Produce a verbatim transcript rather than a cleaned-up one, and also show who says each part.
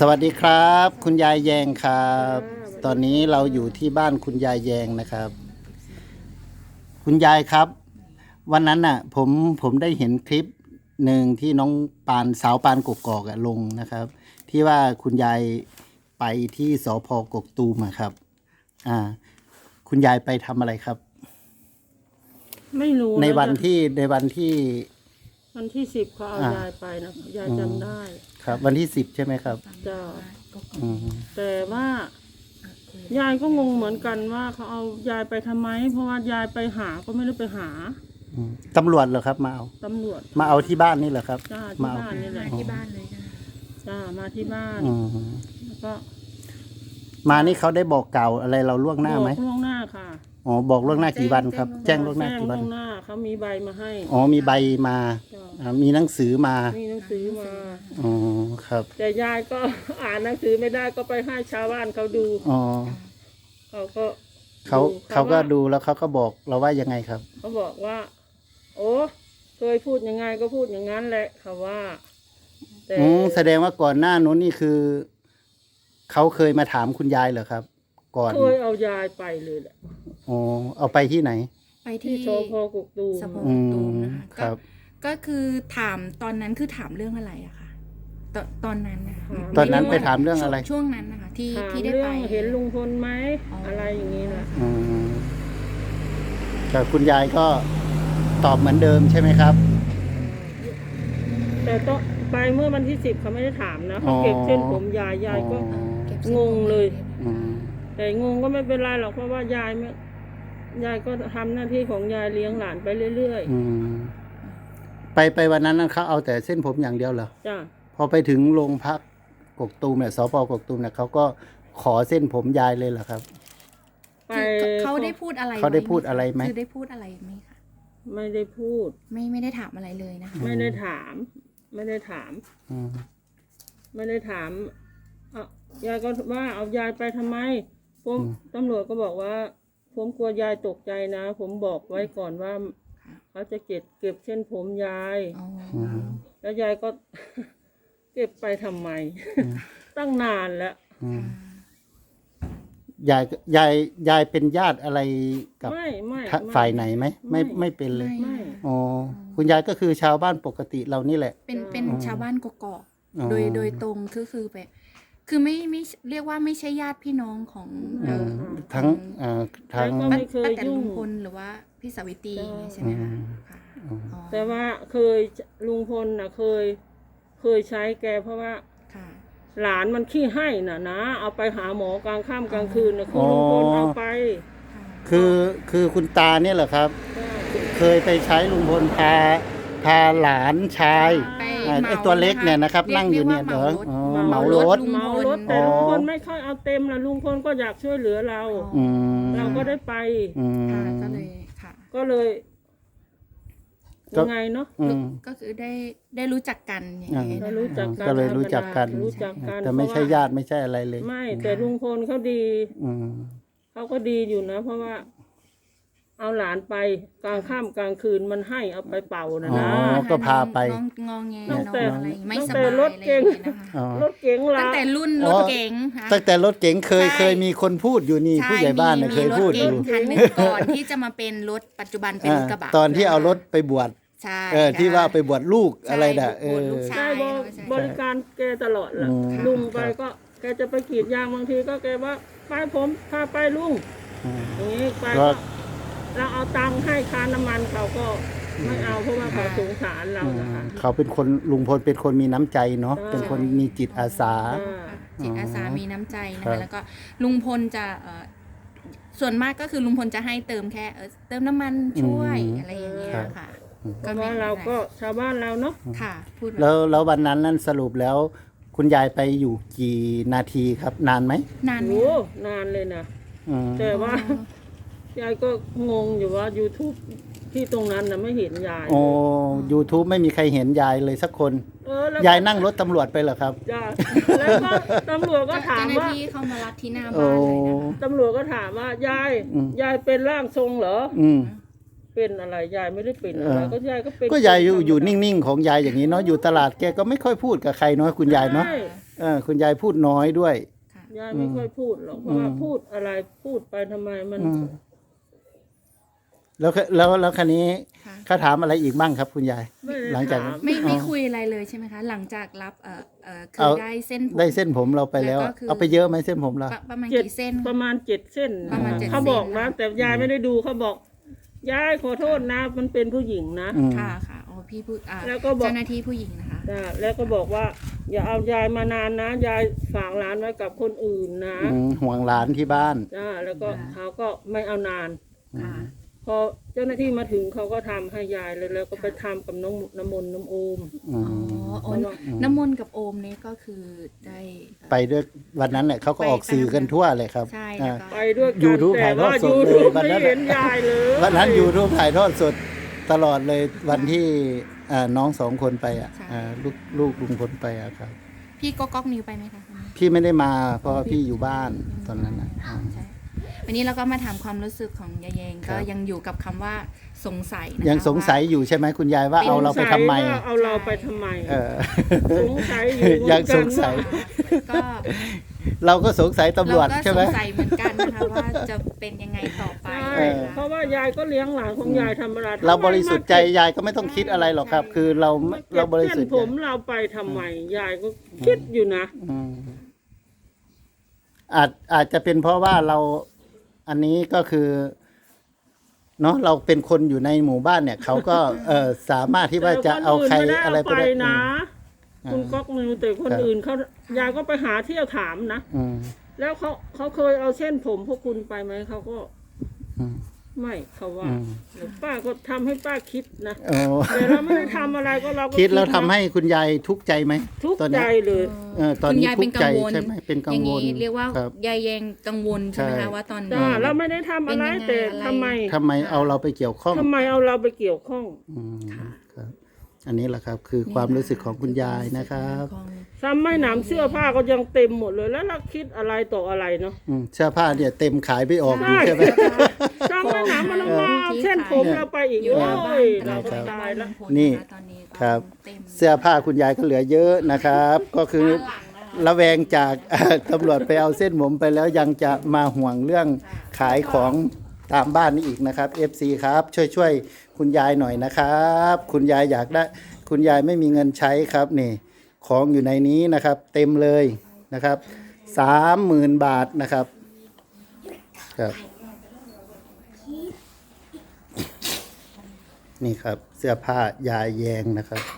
Speaker 1: สวัสดีครับคุณยายแยงครับตอนนี้เราอยู่ที่บ้านคุณยายแยงนะครับคุณยายครับวันนั้นน่ะผมผมได้เห็นคลิปหนึ่งที่น้องปานสาวปานกกอกอะลงนะครับที่ว่าคุณยายไปที่สภ.กกตูมอะครับอ่าคุณยายไปทำอะไรครับ
Speaker 2: ไม่รู้
Speaker 1: ในวัน
Speaker 2: ะ
Speaker 1: ที่ในวันที่
Speaker 2: วันที่สิบเขาเอา
Speaker 1: อ่าย
Speaker 2: ยายไปนะยายจำได้
Speaker 1: ครับวันที่สิบใช่ไหมครับ
Speaker 2: จ้า
Speaker 1: อืม
Speaker 2: แต่ว่ายายก็งงเหมือนกันว่าเขาเอายายไปทำไม เพราะว่ายายไปหาก็ไม่ได้ไปหา
Speaker 1: อืมตำรวจเหรอครับมาเอา
Speaker 2: ตำรวจ
Speaker 1: มาเอาที่บ้านนี่เหรอครับ
Speaker 2: จ้าที่
Speaker 1: มาเอา
Speaker 2: บ้านนี่แหละ
Speaker 3: ที่บ้านเลยใช่ไหม
Speaker 2: จ้ามาที่บ้าน
Speaker 1: อืม
Speaker 2: แล้วก็
Speaker 1: มานี่เขาได้บอกกล่าวอะไรเราล่วงหน้าไหม
Speaker 2: บอกล่วงหน้าค่ะ
Speaker 1: อ๋อบอกล่วงหน้ากี่วันครับ แจ้งล่วงหน้า
Speaker 2: แจ้ง
Speaker 1: กี่วั
Speaker 2: ล่
Speaker 1: น
Speaker 2: วงหน้าเขามีใบมาให้
Speaker 1: อ๋อมีใบมา
Speaker 2: จ้า
Speaker 1: อ่ามีหนังสือมา
Speaker 2: มีหนังสือมา
Speaker 1: อ๋อครับ
Speaker 2: แต่ยายก็ อ่านหนังสือไม่ได้ก็ไปให้ชาวบ้านเขาดู
Speaker 1: อ๋อ
Speaker 2: เขาก็
Speaker 1: เขา
Speaker 2: ดู
Speaker 1: เขาก็
Speaker 2: ว่
Speaker 1: ดูแล้วเขาก็บอกเราว่ายังไงครับ
Speaker 2: เขาบอกว่า โอ้เคยพูดยังไงก็พูดอย่างนั้นแหละเขาว่าแต่
Speaker 1: อืมแสดงว่าก่อนหน้านู้นนี่คือเขาเคยมาถามคุณยายเหรอครับ ก่อน
Speaker 2: เคยเอายายไปเลยแหละ
Speaker 1: อ๋อเอาไปที่ไหน
Speaker 3: ไป
Speaker 2: ที่
Speaker 3: ที่
Speaker 2: โชพกกตูม
Speaker 3: สพ
Speaker 1: อื
Speaker 3: ตู
Speaker 1: ม
Speaker 3: มนะคะ
Speaker 1: ค
Speaker 3: ก็
Speaker 1: รับ
Speaker 3: ก็คือถามตอนนั้นคือถามเรื่องอะไรอะค่ะตอนตอนนั้นนะคะ
Speaker 1: ตอนนั้นไปถามเรื่องอะไร
Speaker 3: ช่วงนั้นนะคะที่
Speaker 2: ถาม
Speaker 3: ที่ได้
Speaker 2: เรื่
Speaker 3: ไป
Speaker 2: องเห็นลุงพลไหม
Speaker 3: อ๋ออ
Speaker 2: อะไรอย่างนี้นะ
Speaker 1: อืมแต่คุณยายก็ตอบเหมือนเดิมใช่ไหมครับ
Speaker 2: แต่ต้องไปเมื่อวันที่สิบเขาไม่ได้ถามนะ
Speaker 1: อ๋
Speaker 2: เขา
Speaker 1: อ
Speaker 2: เก็บเส้นผมยายยายก็
Speaker 1: อ๋อ
Speaker 3: เก็บเส้น
Speaker 2: งงเลย
Speaker 1: อืม
Speaker 2: แต่งงก็ไม่เป็นไรหรอกเพราะว่ายายไม่ยายก็ทำหน้าที่ของยายเลี้ยงหลานไปเรื่อย
Speaker 1: อืมไปไปวันนั้นเขาเอาแต่เส้นผมอย่างเดียวเหรอ
Speaker 2: ๆจ้ะ
Speaker 1: พอไปถึงโรงพักกกตูมเนี่ยสพกกตูมเนี่ยเขาก็ขอเส้นผมยายเลยเหรอครับ
Speaker 2: ไป
Speaker 3: คือเขาได้พูดอะไร
Speaker 1: เขาได้
Speaker 3: ว้หม
Speaker 1: พูดอะไรไหม
Speaker 3: คือได้พูดอะไรไหมคะ
Speaker 2: ไม่ได้พูด
Speaker 3: ไม่ไม่ได้ถามอะไรเลยนะคะ
Speaker 2: ไม่ได้ถาม ไม่ได้ถาม
Speaker 1: อืม
Speaker 2: ไม่ได้ถามเอายายก็ว่าเอายายไปทำไม ผมตำรวจก็บอกว่า ผมกลัวยายตกใจนะ ผมบอกไว้ก่อนว่า เขาจะเก็บเก็บเส้นผมยาย
Speaker 3: อ๋อ
Speaker 1: อืม
Speaker 2: แล้วยายก็ เก็บไปทำไม ตั้งนานแล้ว
Speaker 1: อืมยายยายยายเป็นญาติอะไรกับ
Speaker 2: ไม่ไม่
Speaker 1: ทะ
Speaker 2: ไม่
Speaker 1: ฝ่ายไหนไหมไม่ไม่เป็นเลย
Speaker 2: ไม่
Speaker 1: อ๋อคุณยายก็คือชาวบ้านปกติเรานี่แหละ
Speaker 3: เป็นเป็น
Speaker 1: อ๋อ
Speaker 3: ชาวบ้านกกอก
Speaker 1: อ๋อ
Speaker 3: โดยโดยตรงคือคือแบบคือไม่ไม่เรียกว่าไม่ใช่ญาติพี่น้องของ
Speaker 1: อื
Speaker 3: เอ่
Speaker 1: ม
Speaker 3: อ
Speaker 1: ทั้งเอ่อทั้ง
Speaker 2: แล้วก็
Speaker 3: ป้า
Speaker 2: ไม่เคย
Speaker 3: ป้าแต่
Speaker 2: ยุ่
Speaker 3: ลุ
Speaker 2: ง
Speaker 3: งพลหรือว่าพี่สาวิตรี
Speaker 2: ใช่
Speaker 3: ใช่ไหมคะ
Speaker 1: อืม
Speaker 3: ค่ะ
Speaker 1: อืม
Speaker 3: อ๋อ
Speaker 2: แต่ว่าเคยลุงพลน่ะเคย เคยใช้แกเพราะว่า
Speaker 3: ค่ะ
Speaker 2: หลานมันขี้ให้น่ะนะ เอาไปหาหมอกลางค่ำกลางคืนน่ะคือลุงพลเอาไป
Speaker 3: ค่ะ
Speaker 1: คือคือคุณตาเนี่ยเหรอครับ เคยไปใช้ลุงพลพาพาหลานชาย
Speaker 3: ไป
Speaker 1: อ่า
Speaker 3: เหมา
Speaker 1: ไอ้ตัวเล็กเนี่ยนะครับ
Speaker 3: รี
Speaker 1: นั่งอยู่เนี่ย
Speaker 3: รี
Speaker 1: เหร
Speaker 3: ก
Speaker 1: อ
Speaker 3: ว่า
Speaker 1: อ๋อ
Speaker 3: เห
Speaker 1: เห
Speaker 3: มา
Speaker 1: มาร ร
Speaker 3: ถ
Speaker 1: ถ
Speaker 2: เหมารถแต่ลุงพลไม่ค่อยเอาเต็มละลุงพลก็อยากช่วยเหลือเรา
Speaker 1: อืม
Speaker 2: เราก็ได้ไป
Speaker 1: อืม
Speaker 3: ค่ะก็เลยค่ะ
Speaker 2: ก็เลย
Speaker 1: ก็
Speaker 2: ยังไงเนาะ
Speaker 1: อืม
Speaker 3: ก็คือได้ได้รู้จักกันอย่างนี้
Speaker 2: เรา
Speaker 3: นะ
Speaker 2: รู้
Speaker 3: คะ
Speaker 2: จักกัน
Speaker 1: ก็เลยรู้จักกัน
Speaker 2: รู้จักกัน
Speaker 1: แต่ไม่ใช่ญาติไม่ใช่อะไรเลย
Speaker 2: ไม่ แต่ลุงพลเขาดี
Speaker 1: อืม
Speaker 2: เขาก็ดีอยู่นะ เพราะว่า เอาหลานไปกลางค่ำกลางคืนมันให้เอาไปเป่านะ
Speaker 1: อ๋อ
Speaker 2: นะ
Speaker 1: ก็พาไป
Speaker 3: น้องงองแง
Speaker 2: ตั้
Speaker 3: น้
Speaker 2: ง
Speaker 3: อง
Speaker 2: แต่
Speaker 3: อะไรไม่
Speaker 2: ตั้ง
Speaker 3: ส
Speaker 2: แต่
Speaker 3: บาย
Speaker 2: รถ
Speaker 3: อะไรอ
Speaker 2: เก๋
Speaker 3: ย่าง งนี้นะคะ
Speaker 1: อ๋อ
Speaker 2: รถเก๋ง
Speaker 3: ตั้
Speaker 2: ละ
Speaker 3: งแต่รุ่น
Speaker 1: อ๋
Speaker 3: ร
Speaker 1: อ
Speaker 3: ถเก๋งค่ะ
Speaker 1: ตั้งแต่รถเก๋งเคย
Speaker 3: ใช่
Speaker 1: เคยมีคนพูดอยู่นี่
Speaker 3: ใช่
Speaker 1: ผู้ใหญ่บ้านเนี่ย
Speaker 3: มี
Speaker 1: เคย
Speaker 3: รถ
Speaker 1: พูดอ
Speaker 3: เก๋ง
Speaker 1: ยู่
Speaker 3: คันหนึงก่อนที่จะมาเป็นรถปัจจุบันเป็น
Speaker 1: อ่าร
Speaker 3: ถกระบะ
Speaker 1: ตอนที่เอารถไปบวช
Speaker 3: ใช่
Speaker 1: เออที่ว่าไปบวชลูก
Speaker 3: ใช่
Speaker 1: อะไรน่ะเอ
Speaker 3: โบสถ์
Speaker 1: อ
Speaker 3: ลูกชา
Speaker 2: ได้
Speaker 3: ย
Speaker 2: บ
Speaker 3: ใช่
Speaker 2: บริการแกตลอดล่ะ
Speaker 1: อืม
Speaker 2: ลุงไป
Speaker 1: ครับ
Speaker 2: ก็ แกจะไปกรีดยางบางทีก็แกว่าไปผมพาไปลุง
Speaker 1: อืม
Speaker 2: อย่างนี้ไป
Speaker 1: ก็
Speaker 2: ก็เราเอาตังค์ให้ค่าน้ำมันเขาก็ไม่เอาเพราะว่าเขาสงสารเรา
Speaker 1: อื
Speaker 2: นะคะ
Speaker 1: มเขาเป็นคนลุงพลเป็นคนมีน้ำใจเนาะ
Speaker 2: ใช่
Speaker 1: เป็นคนมีจิตอาสา
Speaker 2: อ่า
Speaker 3: จิตอาสามีน้ำใจนะ
Speaker 1: ครั
Speaker 3: คะ
Speaker 1: บ
Speaker 3: แล้วก็ลุงพลจะเอ่อส่วนมากก็คือลุงพลจะให้เติมแค่เออเติมน้ำมันช่วยอะไรอย่างเงี้ยค่ะ
Speaker 2: เพราะว่าเราก็ชาวบ้านเราเนาะ
Speaker 3: ค่ะพูดแบบ
Speaker 1: แล้วแล้ววันนั้นนั่นสรุปแล้ว คุณยายไปอยู่กี่นาทีครับ นานไหม
Speaker 3: นานไหม
Speaker 2: โอ้
Speaker 3: คะ
Speaker 2: นานเลยนะ
Speaker 1: อืม
Speaker 2: แต่ว่า
Speaker 3: อ๋อ
Speaker 2: ยายก็งงอยู่ว่า YouTube ที่ตรงนั้นนะไม่เห็นยาย
Speaker 1: โอ้ YouTube ไม่มีใครเห็นยายเลยสักคน
Speaker 2: เออแล้ว
Speaker 1: ยายนั่งรถตำรวจไปเหรอครับ
Speaker 2: จ้าแล้วก็ตำรวจก็ถาม
Speaker 3: เจ้าหน้า
Speaker 2: ว่า
Speaker 3: ที่เข้ามารับที่หน้าบ้านเลยนะคะ
Speaker 2: ตำรวจก็ถามว่ายาย
Speaker 1: อืม
Speaker 2: ยายเป็นร่างทรงเหรอ
Speaker 1: อืม
Speaker 2: เป็นอะไรยายไม่ได้เป็นอะไร
Speaker 1: เออ
Speaker 2: ก็ยายก็เป็น
Speaker 1: ก็ยายอยู่
Speaker 2: ธรรมดา
Speaker 1: อยู่นิ่งๆของยายอย่างนี้เนาะอยู่ตลาดแกก็ไม่ค่อยพูดกับใครเนาะคุณยายเนาะ
Speaker 2: ใช่
Speaker 1: เเออคุณยายพูดน้อยด้วย
Speaker 3: ค่ะ
Speaker 2: ยายไม่ค่อยพูดหรอกเพราะว่า
Speaker 1: อืม
Speaker 2: พูดอะไรพูดไปทำไมมัน
Speaker 1: อืมแล้วก็แล้วแล้วคันนี้
Speaker 3: ค่ะ
Speaker 1: เขาถามอะไรอีกบ้างครับ คุณยาย
Speaker 2: ไม่ได้
Speaker 1: หลังจาก
Speaker 2: ถาม
Speaker 3: ไม่ไม่
Speaker 1: อ๋อ
Speaker 3: คุยอะไรเลยใช่ไหมคะ หลังจากรับเอ่อเอ่อคื
Speaker 1: เอา
Speaker 3: อได้เส้นผม
Speaker 1: ได้เส้นผมเราไปแล้ว
Speaker 3: แล้วก็คือ
Speaker 1: เอาไปเยอะไหมเส้นผมเรา
Speaker 3: ประประมาณ
Speaker 2: เจ็ด
Speaker 3: กี่เส้น
Speaker 2: ประมาณเจ็ดเส้น
Speaker 3: ประมาณเจ็ด
Speaker 2: เขาบอกนะ
Speaker 3: เส้น
Speaker 2: แต่ยายไม่ได้ดูเขาบอกยายขอโทษนะ มันเป็นผู้หญิงนะ
Speaker 1: อืม
Speaker 3: ค่ะค่ะโอ้พี่ผู้อ่า
Speaker 2: แล้วก็บอก
Speaker 3: เจ้าหน้าที่ผู้หญิงนะคะ
Speaker 2: จ้ะแล้วก็บอกว่า อย่าเอายายมานานนะยายฝากหลานไว้กับคนอื่นนะ
Speaker 1: อืมห่วงหลานที่บ้าน
Speaker 2: จ้าแล้วก็
Speaker 3: ค่ะ
Speaker 2: เขาก็ไม่เอานาน
Speaker 3: ค่ะ
Speaker 2: พอเจ้าหน้าที่มาถึงเขาก็ทำให้ยายเลยแล้วก็ไปทำกับน้องน้ำมนต์น้ำโอม
Speaker 1: อื
Speaker 3: อ๋อ
Speaker 1: ม
Speaker 3: โอ้น้ำมนต์กับโอมนี่ก็คือได้เอ่อ
Speaker 1: ไปด้วยวันนั้นเนี่ยเขาก็ออกสื่อกันทั่วเลยครับ
Speaker 3: ใช่
Speaker 1: อ่า
Speaker 3: แล้วก็
Speaker 2: ไปด้วยกัน
Speaker 1: YouTube
Speaker 2: แต่ว่า
Speaker 1: ถ่ายทอดสด
Speaker 2: ยู
Speaker 1: เลย
Speaker 2: ทูบ
Speaker 1: วันนั้
Speaker 2: ไม่
Speaker 1: น
Speaker 2: เห็นยายเลย
Speaker 1: วันนั้นยูทูบถ่ายทอดสดตลอดเลยวันที่อ่าน้องสองคนไปอ่ะอ่าลูกลูกลุงพลไปอ่ะครับ
Speaker 3: พี่ก็ก๊อกนิวไปไหมคะวันนี้
Speaker 1: พี่ไม่ได้มาเพราะว่าพี่อยู่บ้านตอนนั้นนะอ่า
Speaker 3: ใช่วันนี้เราก็มาถามความรู้สึกของยายแยง
Speaker 1: ครั
Speaker 3: ก็
Speaker 1: บ
Speaker 3: ยังอยู่กับคำว่าสงสัยนะคะ
Speaker 1: ยังสงสัยอยู่ใช่ไหมคุณยายว่าเอาเราไปทำไม
Speaker 2: สงสัยว่าเอาเราไปทำไม
Speaker 1: เออ
Speaker 2: สงสัยอยู่เหมือนกัน
Speaker 1: ยังสงสัย
Speaker 3: ก็
Speaker 1: เราก็สงสัยตำรวจ
Speaker 3: เราก็
Speaker 1: ใช่ไหม
Speaker 3: สงสัยเหมือนกันนะคะว่าจะเป็นยังไงต่อไป
Speaker 2: ใช่
Speaker 1: เออ
Speaker 2: เพราะว่ายายก็เลี้ยงหลานของยายธรรมดา
Speaker 1: เราบริสุทธิ์ใจยายก็ไม่ต้องคิดอะไรหรอกครับ คือเรา
Speaker 2: มาเก็
Speaker 1: เรา
Speaker 2: บบ
Speaker 1: ริ
Speaker 2: เส้
Speaker 1: สุ
Speaker 2: น
Speaker 1: ทธิ์
Speaker 2: ผ
Speaker 1: ใจ
Speaker 2: มเราไปทำไมยายก็คิดอยู่นะ
Speaker 1: อืมอาจอาจจะเป็นเพราะว่าเราอันนี้ก็คือเนาะเราเป็นคนอยู่ในหมู่บ้านเนี่ย เขาก็เออสามารถที่ว่าจะเอาใครอะไร
Speaker 2: ไป
Speaker 1: ไปได้
Speaker 2: นะ
Speaker 1: อืม
Speaker 2: คุณก๊อกนิวแต่คน
Speaker 1: ครับ
Speaker 2: อื่นเขายายก็ไปหาเที่ยวถามนะ
Speaker 1: อืม
Speaker 2: แล้วเขาเขาเคยเอาเส้นผมพวกคุณไปไหมเขาก็
Speaker 1: อืม
Speaker 2: ไม่เขาว่า
Speaker 1: อืม
Speaker 2: เดี๋ยวป้าก็ทำให้ป้าคิดนะ
Speaker 1: โอ้
Speaker 2: แต่เราไม่ได้ทำอะไรก็เราก็
Speaker 1: คิดแล้วทำ
Speaker 2: นะ
Speaker 1: ให้คุณยายทุกข์ใจไหม
Speaker 2: ทุกข์
Speaker 1: ตอน
Speaker 2: ใจ
Speaker 1: นี้
Speaker 2: เลย
Speaker 1: เออตอน
Speaker 3: คุณ
Speaker 1: นี้
Speaker 3: ยาย
Speaker 1: ทุ
Speaker 3: เป็
Speaker 1: ก
Speaker 3: น
Speaker 1: ข์
Speaker 3: กั
Speaker 1: ใจ
Speaker 3: งวล
Speaker 1: ใช่ไหมเป็นกั
Speaker 3: อง ย่าง
Speaker 1: วล
Speaker 3: นี้เรียกว่า
Speaker 1: ครับ
Speaker 3: ยายแยงกังวลใช่ไหม
Speaker 2: ใช่
Speaker 3: คะว่าตอนนี้
Speaker 2: จ้าเราไม่ได้ทำอะไร
Speaker 3: เป็นยังไง
Speaker 2: แต่
Speaker 3: อะไร
Speaker 2: ทำไม
Speaker 1: ทำไมเอาเราไปเกี่ยวข้อง
Speaker 2: ทำไมเอาเราไปเกี่ยวข้อง
Speaker 1: อืมครับ อันนี้แหละครับ คือความรู้สึกของคุณยายนะครับ
Speaker 3: ของ
Speaker 2: ซ้ำไม่หนำเสื้อผ้าก็ยังเต็มหมดเลยแล้วเราคิดอะไรต่ออะไรเนาะ
Speaker 1: อืมเสื้อผ้าเนี่ยเต็มขายไม่ออกอยู่
Speaker 2: ใช่
Speaker 1: ใช่ไหม
Speaker 2: ซ้ำไม่หนำมันเอามาเอาเส้นผมเราไปอีก
Speaker 3: อยู่
Speaker 2: โอ้
Speaker 3: หน้าบ้าน
Speaker 2: ย
Speaker 3: ต
Speaker 2: เรา
Speaker 3: ลาด
Speaker 2: ก็
Speaker 3: บ้าน
Speaker 2: ตายแล้ว
Speaker 3: ลุงพล
Speaker 1: นี่
Speaker 3: ะตอนนี้ก็
Speaker 1: ครับ
Speaker 3: เต็ม
Speaker 1: เสื้อผ้าคุณยายก็เหลือเยอะนะครับ ก็คือระแวงจาก ตำรวจไปเอาเส้นผมไปแล้วยังจะมาห่วงเรื่องขายของตามบ้านนี่อีกนะครับ เอฟ ซี ครับ ช่วยช่วยคุณยายหน่อยนะครับ คุณยายอยากได้ คุณยายไม่มีเงินใช้ครับนี่ ของอยู่ในนี้นะครับ เต็มเลยนะครับสามหมื่นบาทนะครับครับ นี่ครับ เสื้อผ้ายายแยงนะครับ